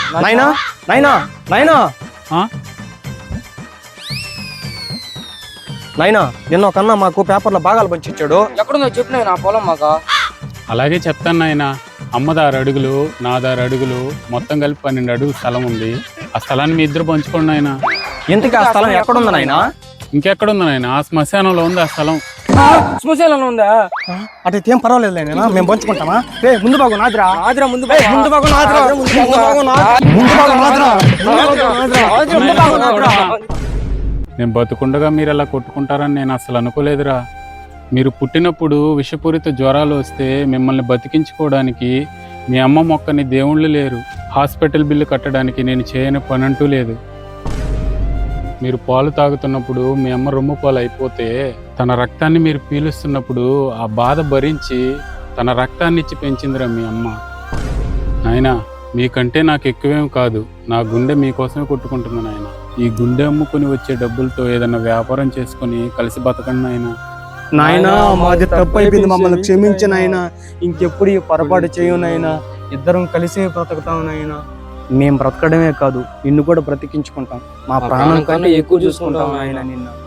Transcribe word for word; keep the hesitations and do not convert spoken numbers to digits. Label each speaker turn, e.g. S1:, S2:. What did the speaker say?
S1: నాయనా నాయనా నాయనా
S2: ఆ?
S1: నాయనా నిన్న ఒక అన్న మాకు పేపర్లో భాగాలు పంచి ఇచ్చాడు.
S3: ఎక్కడుందో చెప్పిన నా పొలం మాకు.
S2: అలాగే చెప్తాను నాయన. అమ్మదారు అడుగులు నాదారు అడుగులు మొత్తం కలిపి పన్నెండు అడుగులు స్థలం ఉంది. ఆ స్థలాన్ని మీ ఇద్దరు పంచుకోండి నాయన.
S1: ఇంతకీ ఆ స్థలం ఎక్కడుంది నాయనా?
S2: ఇంకెక్కడుంది నాయన? ఆ శ్మశానంలో ఉంది ఆ స్థలం.
S3: శ్మశానంలో ఉందా?
S1: అటైతే ఏం పర్వాలేదు నాయనా, మేము పంచుకుంటామా? ఏ ముందు బాగు నాదిరా,
S3: ఆదిరా ముందు
S1: ఏయ్, ముందు బాగు నాదిరా, ముందు బాగు నాదిరా, ముందు బాగు నాదిరా, ముందు బాగు నాదిరా.
S2: నేను బతుకుండగా మీరు అలా కొట్టుకుంటారని నేను అసలు అనుకోలేదురా. మీరు పుట్టినప్పుడు విషపూరిత జ్వరాలు వస్తే మిమ్మల్ని బతికించుకోవడానికి మీ అమ్మ మొక్కని దేవుళ్ళు లేరు. హాస్పిటల్ బిల్లు కట్టడానికి నేను చేయని పని అంటూ లేదు. మీరు పాలు తాగుతున్నప్పుడు మీ అమ్మ రొమ్ము పాలు అయిపోతే తన రక్తాన్ని మీరు పీలుస్తున్నప్పుడు ఆ బాధ భరించి తన రక్తాన్ని ఇచ్చి పెంచిందిరా మీ అమ్మ. నాయనా మీకంటే నాకు ఎక్కువేం కాదు, నా గుండె మీకోసమే కొట్టుకుంటుంది నాయన. ఈ గుండె అమ్ముకుని వచ్చే డబ్బులతో ఏదైనా వ్యాపారం చేసుకుని కలిసి బతకండి నాయన.
S1: నాయనా మాది తప్పు అయిపోయింది, మమ్మల్ని క్షమించు నాయనా. ఇంకెప్పుడు ఈ పొరపాటు చేయు నాయనా. ఇద్దరం కలిసి బ్రతుకుతాం నాయనా. మేము బ్రతకడమే కాదు నిన్ను కూడా బ్రతికించుకుంటాం. మా ప్రాణం కంటే ఎక్కువ చూసుకుంటాం నాయనా నిన్ను.